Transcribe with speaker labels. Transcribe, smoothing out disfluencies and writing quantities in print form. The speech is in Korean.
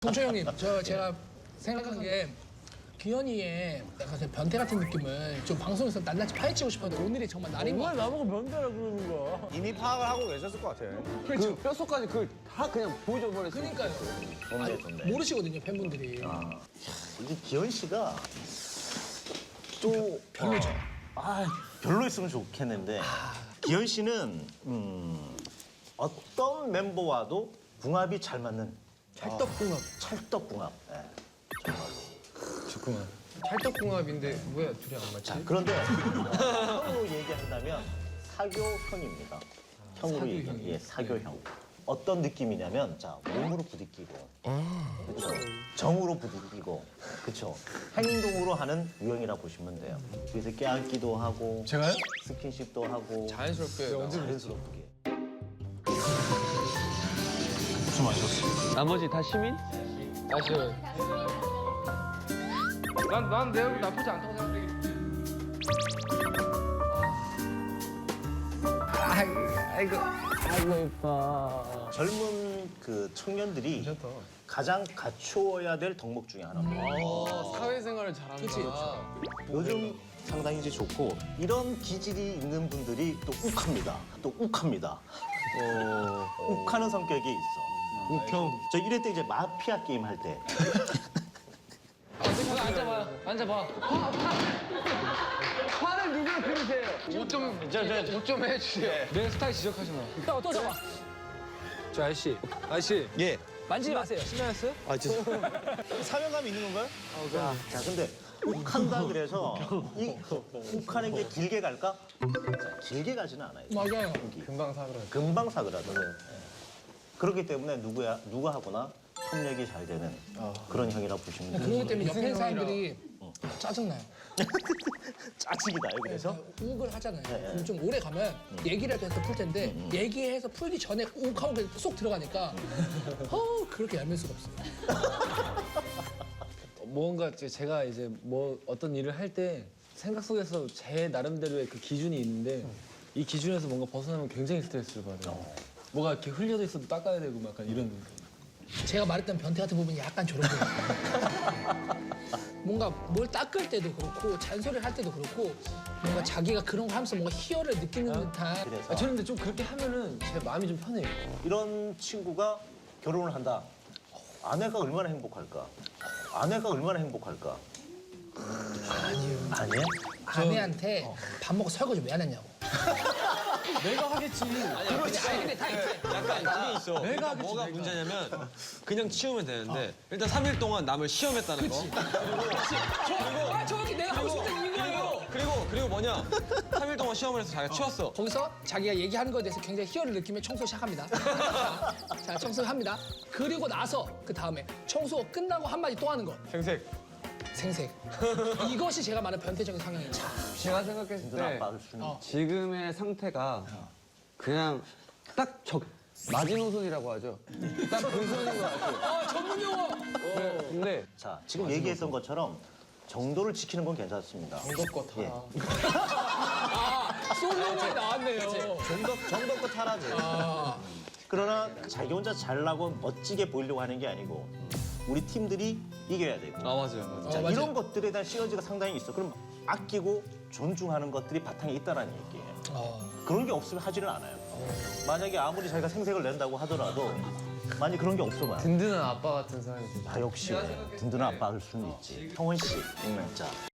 Speaker 1: 동초 형님, 제가 생각한 게 기현이의 약간 그 변태 같은 느낌을 좀 방송에서 낱낱이 파헤치고 싶었는데 오늘이 정말 날인 것
Speaker 2: 왜
Speaker 1: 같아요.
Speaker 2: 나보고 변태라 그러는 거야?
Speaker 3: 이미 파악을 하고 계셨을 것 같아.
Speaker 1: 그렇죠.
Speaker 2: 그 뼛속까지 그걸 다 그냥 보여줘 버렸어.
Speaker 1: 그러니까요.
Speaker 3: 좋네.
Speaker 1: 모르시거든요, 팬분들이.
Speaker 3: 이게 기현 씨가 또
Speaker 1: 별로죠.
Speaker 3: 별로였으면 좋겠는데 기현 씨는 어떤 멤버와도 궁합이 잘 맞는
Speaker 2: 찰떡궁합.
Speaker 3: 찰떡궁합. 네.
Speaker 2: 좋구만. 찰떡궁합인데 왜 둘이 안 맞지?
Speaker 3: 자, 그런데 형으로 얘기한다면 사교형입니다. 형으로 얘기하면 예, 사교형. 어떤 느낌이냐면 자 몸으로 부딪히고, 그렇죠. 정으로 부딪히고, 그렇죠. 행동으로 하는 유형이라 보시면 돼요. 그래서 껴안기도 하고,
Speaker 2: 제가요?
Speaker 3: 스킨십도 하고,
Speaker 2: 자연스럽게. 언제
Speaker 3: 자연스럽게.
Speaker 4: 나머지 다 시민?
Speaker 2: 다시. 난 내 얼굴 나쁘지 않다고 생각해. 아이고 예뻐.
Speaker 3: 젊은 그 청년들이 가장 갖추어야 될 덕목 중에 하나입니다.
Speaker 2: 사회생활을 잘하는구나.
Speaker 3: 요즘 상당히 이제 좋고 이런 기질이 있는 분들이 또 욱합니다. 또 욱합니다. 욱하는 성격이 있어. 욱형. 저 이럴 때 이제 마피아 게임 할 때.
Speaker 4: 앉아봐. 화를 누구를 들으세요?
Speaker 2: 옷 좀 해주세요. 내 스타일 지적하지 마.
Speaker 1: 형, 또 잡아.
Speaker 2: 저 아저씨.
Speaker 3: 예.
Speaker 1: 만지지 마세요.
Speaker 2: 신나였어요?
Speaker 3: 아, 사명감이 있는 건가요? 자, 근데 욱한다 그래서 이 욱하는 게 길게 갈까? 자, 길게 가지는 않아요.
Speaker 1: 맞아요.
Speaker 2: 금방 사그라.
Speaker 3: 금방 사그라들어요. 예. 그렇기 때문에 누가 하거나 협력이 잘 되는 그런 형이라 보시면 돼요.
Speaker 1: 그러기 때문에 옆에 사람들이 짜증나요.
Speaker 3: 짜증이다요, 그래서?
Speaker 1: 욱을 하잖아요. 그럼 좀 오래 가면 얘기라도 해서 풀 텐데 얘기해서 풀기 전에 욱하고 그냥 쏙 들어가니까 그렇게 얄밀 수가 없어요.
Speaker 2: 뭔가 제가 이제 뭐 어떤 일을 할 때 생각 속에서 제 나름대로의 그 기준이 있는데 이 기준에서 뭔가 벗어나면 굉장히 스트레스를 받아요. 뭐가 이렇게 흘려져 있어도 닦아야 되고 막 약간 이런.
Speaker 1: 제가 말했던 변태 같은 부분이 약간 저런 거예요. 뭔가 뭘 닦을 때도 그렇고 잔소리를 할 때도 그렇고 뭔가 자기가 그런 거 하면서 뭔가 희열을 느끼는 듯한
Speaker 3: 그래서
Speaker 2: 저는 근데 좀 그렇게 하면은 제 마음이 좀 편해요.
Speaker 3: 이런 친구가 결혼을 한다. 아내가 얼마나 행복할까? 아내가 얼마나 행복할까? 아니에요?
Speaker 1: 아내한테 밥 먹고 설거지 왜 안 했냐고.
Speaker 2: 내가 하겠지.
Speaker 1: 아니 근데 다 있지.
Speaker 5: 약간 그게 있어. 그러니까 뭐가 문제냐면 그냥 치우면 되는데 일단 3일 동안 남을 시험했다는 거.
Speaker 1: 정확히 내가 하고 싶은 이유예요.
Speaker 5: 그리고 뭐냐? 3일 동안 시험을 해서 자기가 치웠어.
Speaker 1: 거기서 자기가 얘기하는 거에 대해서 굉장히 희열을 느끼며 청소 시작합니다. 자, 청소합니다. 그리고 나서 그 다음에 청소 끝나고 한마디 또 하는 거.
Speaker 2: 생색.
Speaker 1: 생색. 이것이 제가 말하는 변태적인 성향입니다.
Speaker 4: 제가 생각했을
Speaker 3: 누나
Speaker 4: 때
Speaker 3: 아빠를 주는
Speaker 4: 지금의 상태가 그냥 딱 마지노선이라고 하죠. 딱 그 선인 것 같아요.
Speaker 1: 전문 용어.
Speaker 4: 근데
Speaker 3: 자, 지금 얘기했던 것처럼 정도를 지키는 건 괜찮습니다.
Speaker 2: 정도껏 다.
Speaker 3: 예.
Speaker 1: 솔로몬이 나왔네요.
Speaker 3: 정도껏 하라지. 그러나 자기 혼자 잘나고 멋지게 보이려고 하는 게 아니고 우리 팀들이 이겨야 되고
Speaker 5: 아 맞아요.
Speaker 3: 자,
Speaker 1: 맞아요.
Speaker 3: 이런 것들에 대한 시너지가 상당히 있어. 그럼 아끼고 존중하는 것들이 바탕에 있다라는 얘기예요. 그런 게 없으면 하지를 않아요. 만약에 아무리 자기가 생색을 낸다고 하더라도 만약 그런 게 없으면
Speaker 2: 든든한 아빠 같은 사람이 돼.
Speaker 3: 역시 든든한 아빠일 수는 있지. 성원 씨, 자